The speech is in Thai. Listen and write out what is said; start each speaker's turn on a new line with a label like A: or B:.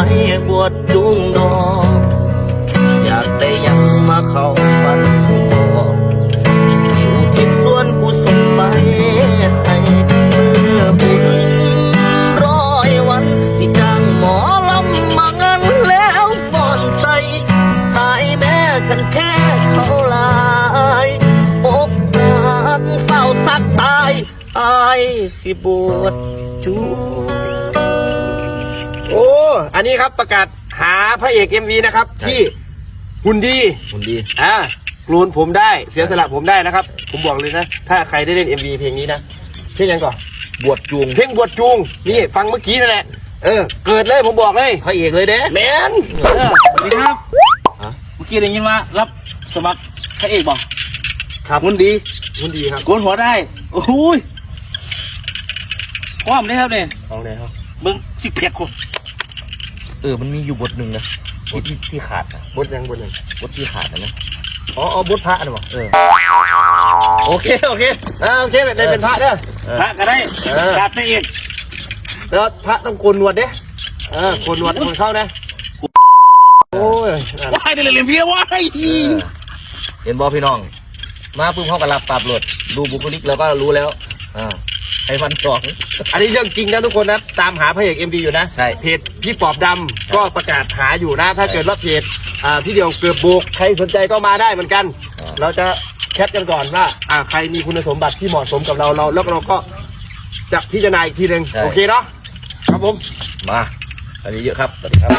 A: บวชจูงดอกอยากได้ยังมาเข้าฝันบอกสิวที่ส่วนกุศลไปให้เมื่อบุญ100 วันสิจ้างหมอลำมางั้นแล้วฟ้อนใส่ตายแม่กันแค่เขาลายอกหักเฝ้าสักตายอายสิบวชจูง
B: โอ้อันนี้ครับประกาศหาพระเอก MV นะครับที่หุ่นดี
A: คนดี
B: โกนผมได้เสียสละผมได้นะครับ ผมบอกเลยนะ ถ้าใครได้เล่น MV เพลงนี้นะเพลงยังก่อน
A: บวชจูง
B: เพลงบวชจูงนี่ฟังเมื่อกี้นั่นแหละเกิดเลยผมบอกเลย
A: พระเอกเลยเด้
B: แมน
C: สวัสดีครับเมื่อกี้ได้ยินว่ารับสมัครพระเอกบอก
B: ครับ
C: หุ่นดี
B: หุ่นดีครับ
C: โกนหัวได้โอ้โหยความได้ครับเนี่ย
B: เอาไหนครับ
C: เบิ้งสิเพียกคน
A: มันมีอยู่บทหนึ่งนะที่ขาดนะ
B: บทยังบทยัง
A: บทที่ขาดนะ
B: อ๋อบทพระนะบอก
A: โอเคโอเค
B: โอเคได้เป็นพระเด้อ
C: พระก็ได้
B: เออ
C: ขาดพระเอก
B: แล้วพระต้องโกนหนวดเด้โกนหนวดคนเข้านะโอ้ย
C: ว้ายได้เลยเรียนเพี้ยว้าย
A: เห็นบอพี่น้อง มาปุ๊บเขาก็รับปรับรถดูบุคลิกแล้วก็รู้แล้วให้ฟันสอง
B: อันนี้เรื่องจริงนะทุกคนนะตามหาพระเอก MV อยู่นะ
A: ใช่
B: เพจพี่ปอบดำก็ประกาศหาอยู่นะ ถ้าเกิดว่าเพจพี่เดียวเกือบโบกใครสนใจก็มาได้เหมือนกัน เราจะแคปกันก่อนว่าใครมีคุณสมบัติที่เหมาะสมกับเราแล้วเราก็จะพิจารณาอีกทีหนึ่งโอเคเนาะครับผม
A: มาอันนี้เยอะครับสวัสดีครับ